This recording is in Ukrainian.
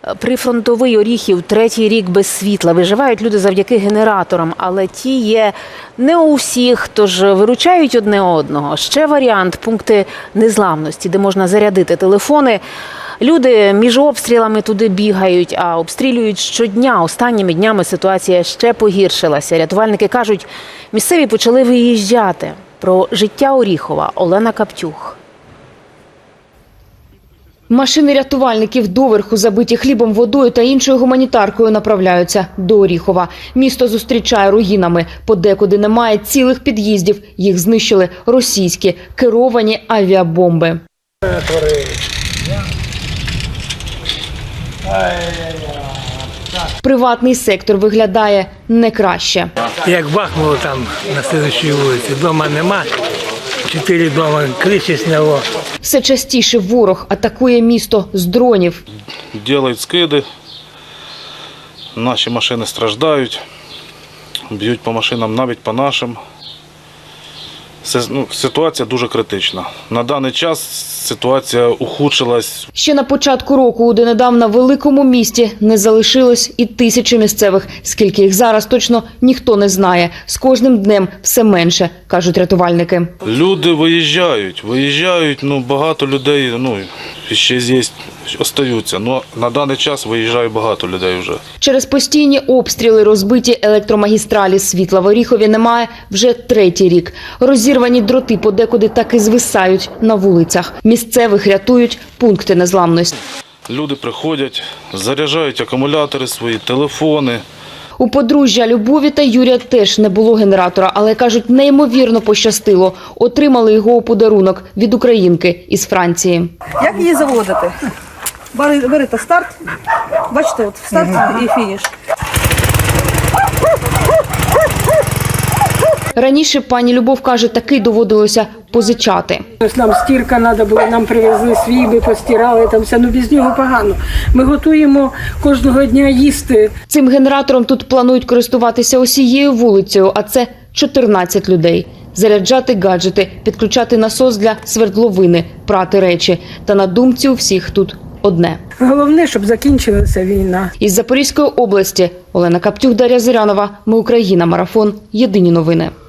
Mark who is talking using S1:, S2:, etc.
S1: Прифронтовий Оріхів третій рік без світла. Виживають люди завдяки генераторам, але ті є не у всіх, тож виручають одне одного. Ще варіант – пункти незламності, де можна зарядити телефони. Люди між обстрілами туди бігають, а обстрілюють щодня. Останніми днями ситуація ще погіршилася. Рятувальники кажуть, місцеві почали виїжджати. Про життя Оріхова Олена Каптюх.
S2: Машини рятувальників доверху забиті хлібом, водою та іншою гуманітаркою направляються до Оріхова. Місто зустрічає руїнами. Подекуди немає цілих під'їздів. Їх знищили російські керовані авіабомби. Приватний сектор виглядає не краще.
S3: Як бахнуло там на слідчій вулиці, дома нема, 4 дома криші сняло.
S2: Все частіше ворог атакує місто з дронів.
S4: Роблять скиди, наші машини страждають, б'ють по машинам, навіть по нашим. Ситуація дуже критична. На даний час ситуація ухудшилась.
S2: Ще на початку року у донедавна великому місті не залишилось і тисячі місцевих. Скільки їх зараз, точно ніхто не знає. З кожним днем все менше, кажуть рятувальники.
S4: Люди виїжджають, багато людей, ще здесь остаються. На даний час виїжджає багато людей вже.
S2: Через постійні обстріли розбиті електромагістралі. Світла в Оріхові немає вже третій рік. Розірвані дроти подекуди так і звисають на вулицях. Місцевих рятують пункти незламності.
S4: Люди приходять, заряджають акумулятори свої, телефони.
S2: У подружжя Любові та Юрія теж не було генератора, але, кажуть, неймовірно пощастило. Отримали його у подарунок від українки із Франції.
S5: Як її заводити? Берете старт, бачите, от старт і фініш.
S2: Раніше пані Любов каже, таки доводилося позичати.
S6: Нам стірка треба було, нам привезли свій, ми постирали, там все, без нього погано. Ми готуємо кожного дня їсти.
S2: Цим генератором тут планують користуватися усією вулицею, а це 14 людей. Заряджати гаджети, підключати насос для свердловини, прати речі. Та на думці у всіх тут одне.
S6: Головне, щоб закінчилася війна.
S2: Із Запорізької області Олена Каптюх, Дар'я Зирянова. Ми Україна. Марафон. Єдині новини.